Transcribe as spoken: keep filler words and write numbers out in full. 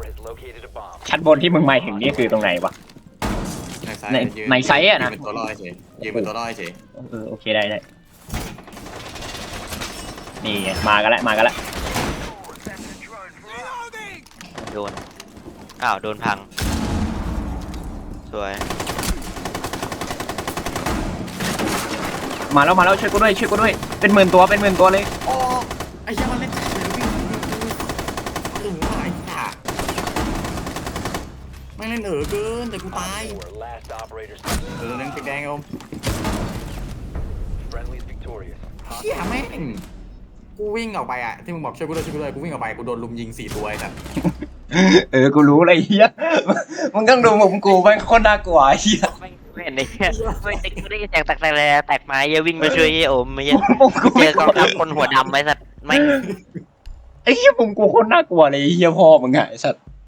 ชั้นบนที่มึงหมายถึงนี่คือตรงไหนวะในในไซส์อะนะยืนเป็นตัวลอยเฉยยืนเป็นตัวลอยเฉยเออโอเคได้ได้นี่ไงมากันแล้วมากันแล้วโดนอ้าวโดนพังสวยมาแล้วมาแล้วช่วยกูด้วยช่วยกูด้วยเป็นหมื่นตัวเป็นหมื่นตัวเลยโอ้ไอ้เหี้ยมันเล่นจัดเลยวิ่งเออไอ้ห่าไม่เล่นเออเกินแต่กูตายเออเล่นสีแดงเอาเหี้ยแม่งกูวิ่งออกไปอ่ะที่มึงบอกช่วยกูด้วยช่วยกูด้วยกูวิ่งออกไปกูโดนลุมยิงสี่ตัวไอ้สัสเออกูรู้เลยเฮียมึงต้องดูมุมกูมันโคตรน่ากลัวเฮียไม่ไม่เห็นเลยไม่ได้ไม่ได้แตกแตกแตกแตกไม้เยอะวิ่งมาช่วยโอมไม่เยอะมุมกูเจไม่อกองทัพคนหัวดำไอ้สัตว์ไม่ไอ้เฮียมุมกูโคตรน่ากลัวเลยเฮียพ่อมึงไงไอ้สัตว์